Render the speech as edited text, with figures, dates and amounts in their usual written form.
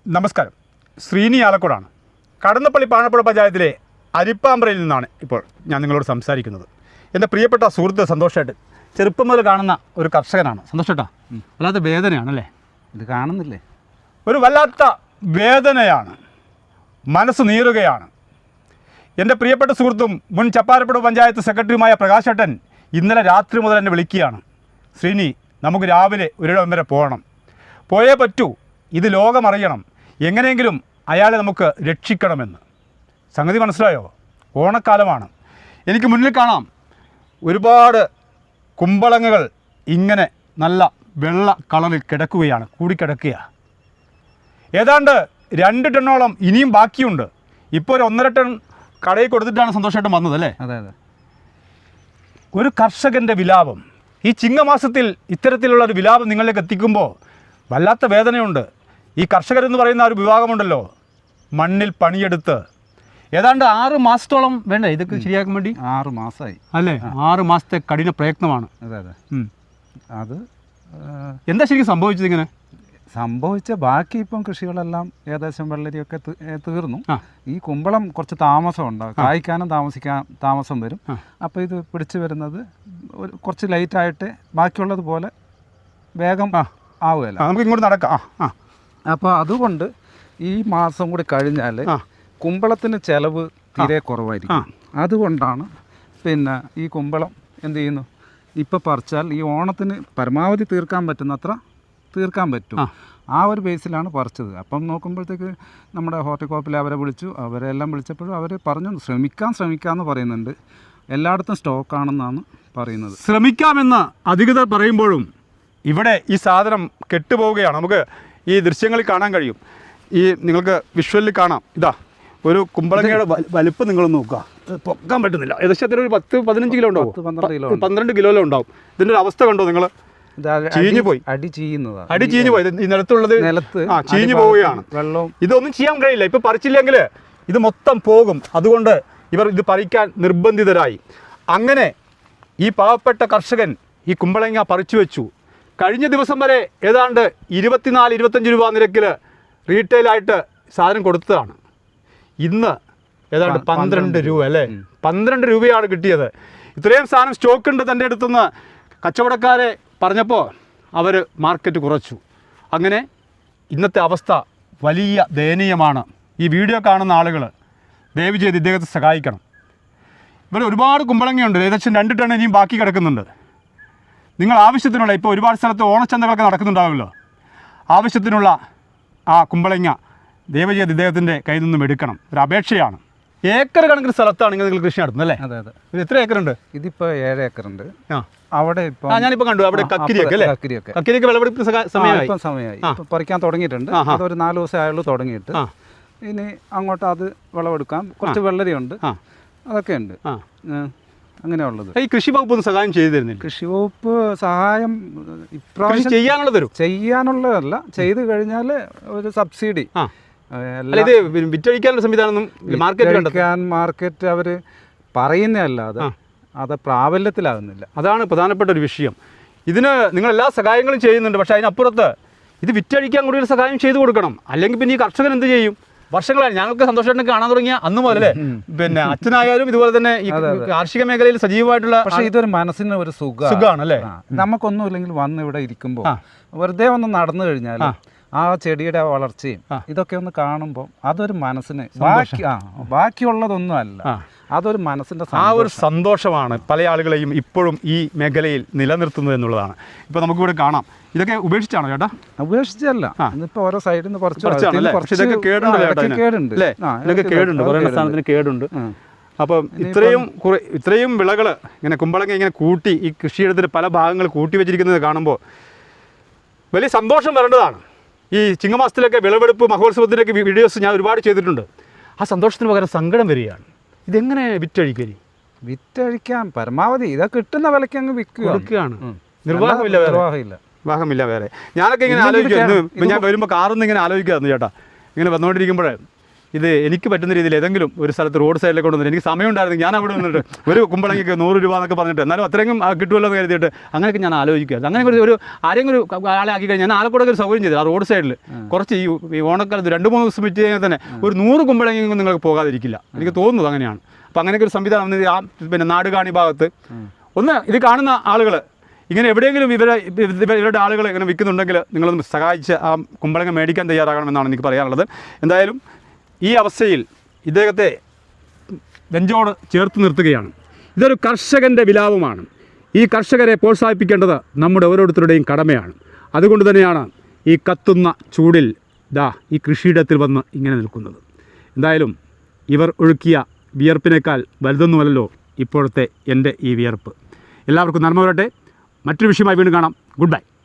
നമസ്കാരം. ശ്രീനി ആലക്കോടാണ്. കടന്നപ്പള്ളി പാണപ്പുഴ പഞ്ചായത്തിലെ അരിപ്പാമ്പ്രയിൽ നിന്നാണ് ഇപ്പോൾ ഞാൻ നിങ്ങളോട് സംസാരിക്കുന്നത്. എൻ്റെ പ്രിയപ്പെട്ട സുഹൃത്ത് സന്തോഷേട്ടൻ ചെറുപ്പം മുതൽ കാണുന്ന ഒരു കർഷകനാണ്. സന്തോഷേട്ടാ, വല്ലാത്ത വേദനയാണല്ലേ? ഇത് കാണുന്നില്ലേ? ഒരു വല്ലാത്ത വേദനയാണ്, മനസ്സ് നീറുകയാണ്. എൻ്റെ പ്രിയപ്പെട്ട സുഹൃത്തും മുൻ ചപ്പാരപ്പുഴ പഞ്ചായത്ത് സെക്രട്ടറിയുമായ പ്രകാശേട്ടൻ ഇന്നലെ രാത്രി മുതൽ എന്നെ വിളിക്കുകയാണ്. ശ്രീനി, നമുക്ക് രാവിലെ ഒരിടം വരെ പോകണം, പോയേ പറ്റൂ, ഇത് ലോകമറിയണം, എങ്ങനെയെങ്കിലും അയാളെ നമുക്ക് രക്ഷിക്കണമെന്ന്. സംഗതി മനസ്സിലായോ? ഓണക്കാലമാണ്. എനിക്ക് മുന്നിൽ കാണാം ഒരുപാട് കുമ്പളങ്ങകൾ ഇങ്ങനെ നല്ല വെള്ള കളറിൽ കിടക്കുകയാണ്, കൂടിക്കിടക്കുകയാണ്. ഏതാണ്ട് 2 ടണ്ണോളം ഇനിയും ബാക്കിയുണ്ട്. ഇപ്പോൾ ഒരു 1.5 ടൺ കടയിൽ കൊടുത്തിട്ടാണ് സന്തോഷമായിട്ടും വന്നത് അല്ലേ? അതെ അതെ. ഒരു കർഷകൻ്റെ വിലാപം, ഈ ചിങ്ങമാസത്തിൽ ഇത്തരത്തിലുള്ള ഒരു വിലാപം നിങ്ങളിലേക്ക് എത്തിക്കുമ്പോൾ വല്ലാത്ത വേദനയുണ്ട്. ഈ കർഷകരെന്ന് പറയുന്ന ഒരു വിഭാഗമുണ്ടല്ലോ, മണ്ണിൽ പണിയെടുത്ത് ഏതാണ്ട് 6 മാസത്തോളം വേണ്ടേ ഇതൊക്കെ ശരിയാക്കാൻ വേണ്ടി? 6 മാസമായി അല്ലേ? 6 മാസത്തെ കഠിന പ്രയത്നമാണ്. അതെ അതെ. അത് എന്താ ശരിക്കും സംഭവിച്ചത്? ഇങ്ങനെ സംഭവിച്ച ബാക്കി ഇപ്പം കൃഷികളെല്ലാം ഏകദേശം വെള്ളരിയൊക്കെ തീർന്നു. ഈ കുമ്പളം കുറച്ച് താമസം ഉണ്ടാകും, കായ്ക്കാനും താമസം വരും. അപ്പോൾ ഇത് പിടിച്ചു വരുന്നത് കുറച്ച് ലൈറ്റായിട്ട് ബാക്കിയുള്ളത് പോലെ വേഗം ആവുകയല്ല. നമുക്ക് ഇങ്ങോട്ട് നടക്കാം. അപ്പോൾ അതുകൊണ്ട് ഈ മാസം കൂടി കഴിഞ്ഞാൽ കുമ്പളത്തിന് ചിലവ് തീരെ കുറവായിരിക്കും. അതുകൊണ്ടാണ് പിന്നെ ഈ കുമ്പളം എന്ത് ചെയ്യുന്നു, ഇപ്പോൾ പറിച്ചാൽ ഈ ഓണത്തിന് പരമാവധി തീർക്കാൻ പറ്റുന്നത്ര തീർക്കാൻ പറ്റും. ആ ഒരു ബേസിലാണ് പറിച്ചത്. അപ്പം നോക്കുമ്പോഴത്തേക്ക് നമ്മുടെ ഹോർട്ടികോപ്പിൽ അവരെ വിളിച്ചു. അവരെല്ലാം വിളിച്ചപ്പോഴും അവർ പറഞ്ഞു ശ്രമിക്കാമെന്ന് പറയുന്നുണ്ട്. എല്ലായിടത്തും സ്റ്റോക്കാണെന്നാണ് പറയുന്നത്. ശ്രമിക്കാമെന്ന് അധികൃതർ പറയുമ്പോഴും ഇവിടെ ഈ സാധനം കെട്ടുപോവുകയാണ്. നമുക്ക് ഈ ദൃശ്യങ്ങളിൽ കാണാൻ കഴിയും. ഈ നിങ്ങൾക്ക് വിഷ്വലിൽ കാണാം. ഇതാ ഒരു കുമ്പളങ്ങയുടെ വലിപ്പം നിങ്ങളൊന്ന് നോക്കുക. പൊക്കാൻ പറ്റുന്നില്ല. ഏകദേശം ഒരു 10-15 കിലോ ഉണ്ടാവും, 12 കിലോയിലും ഉണ്ടാവും. ഇതിൻ്റെ ഒരു അവസ്ഥ കണ്ടോ നിങ്ങൾ? ചീഞ്ഞു പോയി, അടി ചീഞ്ഞു പോയി. ഈ നിലത്ത് ചീഞ്ഞു പോവുകയാണ്. വെള്ളവും ഇതൊന്നും ചെയ്യാൻ കഴിയില്ല. ഇപ്പം പറിച്ചില്ലെങ്കിൽ ഇത് മൊത്തം പോകും. അതുകൊണ്ട് ഇവർ ഇത് പറിക്കാൻ നിർബന്ധിതരായി. അങ്ങനെ ഈ പാവപ്പെട്ട കർഷകൻ ഈ കുമ്പളങ്ങ പറിച്ചു വെച്ചു. കഴിഞ്ഞ ദിവസം വരെ ഏതാണ്ട് 24-25 രൂപ നിരക്കിൽ റീറ്റെയിലായിട്ട് സാധനം കൊടുത്തതാണ്. ഇന്ന് ഏതാണ്ട് 12 രൂപ അല്ലേ? 12 രൂപയാണ് കിട്ടിയത്. ഇത്രയും സാധനം സ്റ്റോക്ക് ഉണ്ട് തൻ്റെ അടുത്തുനിന്ന് കച്ചവടക്കാരെ പറഞ്ഞപ്പോൾ അവർ മാർക്കറ്റ് കുറച്ചു. അങ്ങനെ ഇന്നത്തെ അവസ്ഥ വലിയ ദയനീയമാണ്. ഈ വീഡിയോ കാണുന്ന ആളുകൾ ദയവ് ചെയ്ത് ഇദ്ദേഹത്തെ സഹായിക്കണം. ഇവിടെ ഒരുപാട് കുമ്പളങ്ങയുണ്ട്. ഏകദേശം 2 ടൺ ഇനിയും ബാക്കി കിടക്കുന്നുണ്ട്. നിങ്ങൾ ആവശ്യത്തിനുള്ള, ഇപ്പോൾ ഒരുപാട് സ്ഥലത്ത് ഓണച്ചന്തകളൊക്കെ നടക്കുന്നുണ്ടാവുമല്ലോ, ആവശ്യത്തിനുള്ള ആ കുമ്പളങ്ങ ദയവ് ചെയ്ത് ഇദ്ദേഹത്തിൻ്റെ കയ്യിൽ നിന്നും എടുക്കണം. ഒരു അപേക്ഷയാണ്. ഏക്കർ കണക്കിന് സ്ഥലത്താണ് നിങ്ങൾ കൃഷി നടത്തുന്നത് അല്ലേ? അതെ അതെ. ഇത് എത്ര ഏക്കറുണ്ട്? ഇതിപ്പോൾ 7 ഏക്കറുണ്ട്. അവിടെ ഇപ്പോൾ ഞാനിപ്പോൾ കണ്ടു അവിടെ കക്കിരിയൊക്കെ അല്ലേ? കക്കിരിയൊക്കെ വിളവെടുപ്പ് സമയമായി പറിക്കാൻ തുടങ്ങിയിട്ടുണ്ട്. അതൊരു 4 ദിവസം ആയുള്ളൂ തുടങ്ങിയിട്ട്. ഇനി അങ്ങോട്ട് അത് വിളവെടുക്കാം. കുറച്ച് വെള്ളരിയുണ്ട്, അതൊക്കെ ഉണ്ട്. അങ്ങനെയുള്ളത്. ഈ കൃഷി വകുപ്പ് ഒന്ന് സഹായം ചെയ്തു തരുന്നില്ല? കൃഷി വകുപ്പ് സഹായം ഇപ്രാവശ്യം ചെയ്യാനുള്ളതല്ല, ചെയ്തു കഴിഞ്ഞാൽ ഒരു സബ്സിഡി, വിറ്റഴിക്കാനുള്ള സംവിധാനം മാർക്കറ്റ് അവർ പറയുന്നതല്ലാതെ അത് പ്രാബല്യത്തിലാകുന്നില്ല. അതാണ് പ്രധാനപ്പെട്ട ഒരു വിഷയം. ഇതിന് നിങ്ങൾ എല്ലാ സഹായങ്ങളും ചെയ്യുന്നുണ്ട്, പക്ഷേ അതിനപ്പുറത്ത് ഇത് വിറ്റഴിക്കാൻ കൂടി ഒരു സഹായം ചെയ്തു കൊടുക്കണം. അല്ലെങ്കിൽ പിന്നെ ഈ കർഷകൻ എന്ത് ചെയ്യും? വർഷങ്ങളായി ഞങ്ങൾക്ക് സന്തോഷമായിട്ട് കാണാൻ തുടങ്ങിയ അന്ന് മുതലേ പിന്നെ അച്ഛനായാലും ഇതുപോലെ തന്നെ ഈ കാർഷിക മേഖലയിൽ സജീവമായിട്ടുള്ള. പക്ഷേ ഇതൊരു മനസ്സിന് ഒരു സുഖമാണ് അല്ലേ? നമുക്കൊന്നുമില്ലെങ്കിൽ വന്ന് ഇവിടെ ഇരിക്കുമ്പോൾ വെറുതെ ഒന്ന് നടന്നു കഴിഞ്ഞാൽ ആ ചെടിയുടെ വളർച്ചയും ഇതൊക്കെ ഒന്ന് കാണുമ്പോൾ അതൊരു മനസ്സിന് ബാക്കിയുള്ളതൊന്നും അല്ല, അതൊരു മനസ്സിൻ്റെ ആ ഒരു സന്തോഷമാണ് പല ആളുകളെയും ഇപ്പോഴും ഈ മേഖലയിൽ നിലനിർത്തുന്നത് എന്നുള്ളതാണ്. ഇപ്പോൾ നമുക്കിവിടെ കാണാം. ഇതൊക്കെ ഉപേക്ഷിച്ചാണോ ചേട്ടാ? ഉപേക്ഷിച്ചല്ല, ഇന്നിപ്പോൾ ഓരോ സൈഡിൽ നിന്ന് കേടുണ്ട്. അപ്പം ഇത്രയും വിളകൾ ഇങ്ങനെ കുമ്പളങ്ങ ഇങ്ങനെ കൂട്ടി ഈ കൃഷിയിടത്തിൽ പല ഭാഗങ്ങൾ കൂട്ടി വെച്ചിരിക്കുന്നത് കാണുമ്പോൾ വലിയ സന്തോഷം വരേണ്ടതാണ്. ഈ ചിങ്ങമാസത്തിലൊക്കെ വിളവെടുപ്പ് മഹോത്സവത്തിൻ്റെയൊക്കെ വീഡിയോസ് ഞാൻ ഒരുപാട് ചെയ്തിട്ടുണ്ട്. ആ സന്തോഷത്തിന് പകരം സങ്കടം വരികയാണ്. ഇതെങ്ങനെ വിറ്റഴിക്കാൻ പരമാവധി ഇതൊക്കെ കിട്ടുന്ന വിലയ്ക്ക് അങ്ങ് വിൽക്കുകയാണ്. നിർവാഹമില്ല വേറെ. ഞാനൊക്കെ ഇങ്ങനെ ആലോചിക്കുമായിരുന്നു. ഞാൻ വരുമ്പോൾ കാറിൽ നിന്ന് ഇങ്ങനെ ആലോചിക്കുമായിരുന്നു ചേട്ടാ. ഇങ്ങനെ വന്നുകൊണ്ടിരിക്കുമ്പോൾ ഇത് എനിക്ക് പറ്റുന്ന രീതിയിൽ ഏതെങ്കിലും ഒരു സ്ഥലത്ത് റോഡ് സൈഡിലേക്ക് കൊണ്ടുവന്നിട്ട് എനിക്ക് സമയം ഉണ്ടായിരുന്നു, ഞാൻ അവിടെ നിന്നിട്ട് ഒരു കുമ്പളങ്ങിക്ക് 100 രൂപ എന്നൊക്കെ പറഞ്ഞിട്ട് എന്നാലും അത്രയും കിട്ടുമല്ലോ എന്ന് കരുതിയിട്ട് അങ്ങനെയൊക്കെ ഞാൻ ആലോചിക്കുകയായിരുന്നു. അങ്ങനെ ഒരു ആരെങ്കിലും ഒരു ആളെ ആക്കി കഴിഞ്ഞാൽ ഞാൻ ആലക്കോടൊക്കെ ഒരു സൗകര്യം ചെയ്തു. ആ റോഡ് സൈഡിൽ കുറച്ച് ഈ ഓണക്കാലത്ത് 2-3 ദിവസം വിറ്റ് കഴിഞ്ഞാൽ തന്നെ ഒരു 100 കുമ്പളങ്ങിയൊന്നും നിങ്ങൾക്ക് പോകാതിരിക്കില്ല, എനിക്ക് തോന്നുന്നത് അങ്ങനെയാണ്. അപ്പോൾ അങ്ങനെയൊക്കെ ഒരു സംവിധാനം വന്നത് ആ പിന്നെ നാടുകാണി ഭാഗത്ത് ഒന്ന് ഇത് കാണുന്ന ആളുകൾ ഇങ്ങനെ എവിടെയെങ്കിലും ഇവരുടെ ആളുകൾ ഇങ്ങനെ വിൽക്കുന്നുണ്ടെങ്കിൽ നിങ്ങളൊന്ന് സഹായിച്ച് ആ കുമ്പളങ്ങ മേടിക്കാൻ തയ്യാറാകണമെന്നാണ് എനിക്ക് പറയാനുള്ളത്. എന്തായാലും ഈ അവസ്ഥയിൽ ഇദ്ദേഹത്തെ നെഞ്ചോട് ചേർത്ത് നിർത്തുകയാണ്. ഇതൊരു കർഷകൻ്റെ വിലാപമാണ്. ഈ കർഷകരെ പ്രോത്സാഹിപ്പിക്കേണ്ടത് നമ്മുടെ ഓരോരുത്തരുടെയും കടമയാണ്. അതുകൊണ്ട് തന്നെയാണ് ഈ കത്തുന്ന ചൂടിൽ ഈ കൃഷിയിടത്തിൽ വന്ന് ഇങ്ങനെ നിൽക്കുന്നത്. എന്തായാലും ഇവർ ഒഴുക്കിയ വിയർപ്പിനേക്കാൾ വലുതൊന്നുമല്ലല്ലോ ഇപ്പോഴത്തെ എൻ്റെ ഈ വിയർപ്പ്. എല്ലാവർക്കും നന്മ വരട്ടെ. മറ്റൊരു വിഷയമായി വീണ്ടും കാണാം. Good by.